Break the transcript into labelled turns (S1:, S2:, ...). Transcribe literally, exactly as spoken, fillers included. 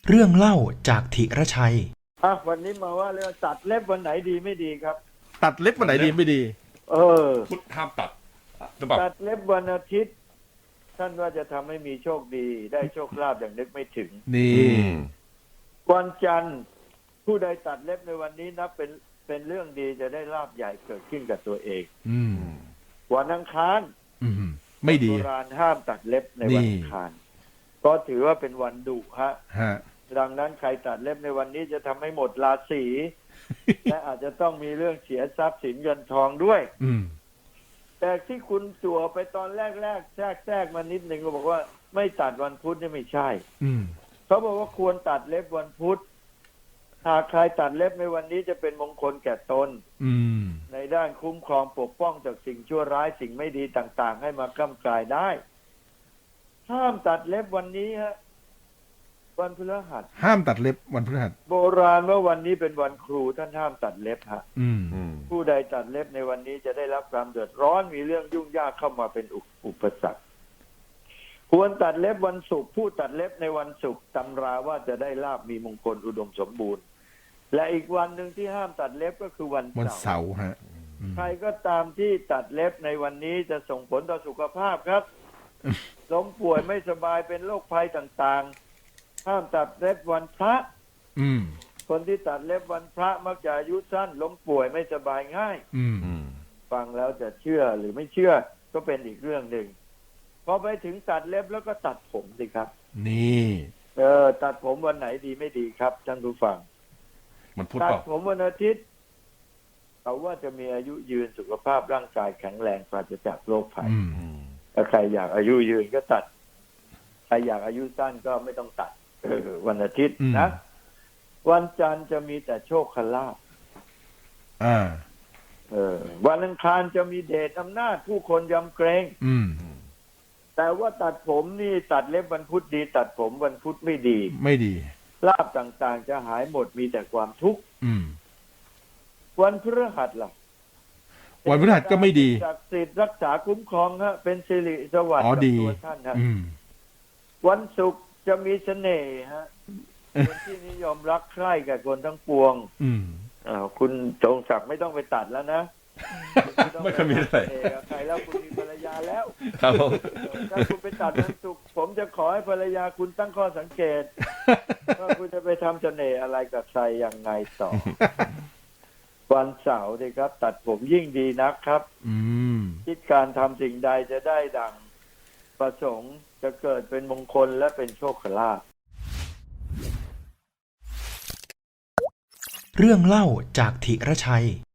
S1: เรื่องเล่าจากธีรชัย
S2: อ่ะวันนี้มาว่าเรื่องตัดเล็บวันไหนดีไม่ดีครับ
S3: ตัดเล็บวันไหนดีไม่ดี
S2: เออ
S4: พุทธห้ามตัดหรือเปล่า
S2: ตัดเล็บวันอาทิตย์ท่านว่าจะทำให้มีโชคดีได้โชคลาภอย่างนึกไม่ถึง
S3: นี่
S2: วันจันทร์ผู้ใดตัดเล็บในวันนี้นับเป็นเป็นเรื่องดีจะได้ลาภใหญ่เกิดขึ้นกับตัวเอง
S3: อืม
S2: วันอังคาร
S3: อืมไม่ดี
S2: โบราณห้ามตัดเล็บในวันอังคารก็ถือว่าเป็นวันดุฮะ
S3: ฮะ
S2: ดังนั้นใครตัดเล็บในวันนี้จะทำให้หมดราศี และอาจจะต้องมีเรื่องเสียทรัพย์สินเงินทองด้วย
S3: อืม
S2: แต่ที่คุณจั่วไปตอนแรกๆแทรกแทรกมานิดหนึ่งก็บอกว่าไม่ตัดวันพุธนี่ไม่ใช่
S3: อืม
S2: เขาบอกว่าควรตัดเล็บวันพุธหากใครตัดเล็บในวันนี้จะเป็นมงคลแก่ตน
S3: อืม
S2: ในด้านคุ้มครองปกป้องจากสิ่งชั่วร้ายสิ่งไม่ดีต่างๆให้มากำกายได้ห้ามตัดเล็บวันนี้ฮะวันพฤหัส
S3: ห้ามตัดเล็บวันพฤหัส
S2: โบราณว่าวันนี้เป็นวันครูท่านห้ามตัดเล็บฮะ
S3: อืม
S2: ผู้ใดตัดเล็บในวันนี้จะได้รับความเดือดร้อนมีเรื่องยุ่งยากเข้ามาเป็นอุปสรรคควรตัดเล็บวันศุกร์ผู้ตัดเล็บในวันศุกร์ตำราว่าจะได้ลาภมีมงคลอุดมสมบูรณ์และอีกวันหนึ่งที่ห้ามตัดเล็บก็คือวัน
S3: วันเสาร์ฮะ
S2: ใครก็ตามที่ตัดเล็บในวันนี้จะส่งผลต่อสุขภาพครับล้มป่วยไม่สบายเป็นโรคภัยต่างๆห้ามตัดเล็บวันพระคนที่ตัดเล็บวันพระมักจะอายุสั้นล้มป่วยไม่สบายง่ายฟังแล้วจะเชื่อหรือไม่เชื่อก็เป็นอีกเรื่องหนึ่งพอไปถึงตัดเล็บแล้วก็ตัดผมสิครับ
S3: นี่
S2: เออตัดผมวันไหนดีไม่ดีครับท่านผู้ฟัง
S4: มันพูด
S2: ตัด
S4: เปล่า
S2: ผมวันอาทิตย์เขาว่าจะมีอายุยืนสุขภาพร่างกายแข็งแรงปราศจากโรคภัยถ้าใครอยากอายุยืนก็ตัดใครอยากอายุสั้นก็ไม่ต้องตัดวันอาทิตย์นะวันจันทร์จะมีแต่โชคลาภ
S3: อ่า
S2: เออวันอังคารจะมีเดชอำนาจผู้คนยำเกรง
S3: อืม
S2: แต่ว่าตัดผมนี่ตัดเล็บวันพุธดีตัดผมวันพุธไม่ดี
S3: ไม่ดี
S2: ลาภต่างๆจะหายหมดมีแต่ความทุกข์วันพฤหัสล่ะ
S3: วันพฤหัสก็ไม่ดี
S2: ศักดิ์สิทธิ์รักษาคุ้มครองฮะเป็นสิริสวัสดิ์กับตัวท่านฮะวันศุกร์จะมีเสน่ห์ฮะคนที่นิยมรักใคร่กับคนทั้งปวงอ่าคุณจงศักดิ์ไม่ต้องไปตัดแล้วนะ
S4: ไม่เคยมีอะไร
S2: ใครแล้วคุณมีภรรยาแล้ว
S4: ครับ
S2: ถ้าคุณไปตัดวันศุกร์ผมจะขอให้ภรรยาคุณตั้งข้อสังเกตว่าคุณจะไปทำเสน่ห์อะไรกับใครยังไงต่อวันเสาร์ดีครับตัดผมยิ่งดีนะครับคิดการทำสิ่งใดจะได้ดังประสงค์จะเกิดเป็นมงคลและเป็นโชคลาภ
S1: เรื่องเล่าจากธีรชัย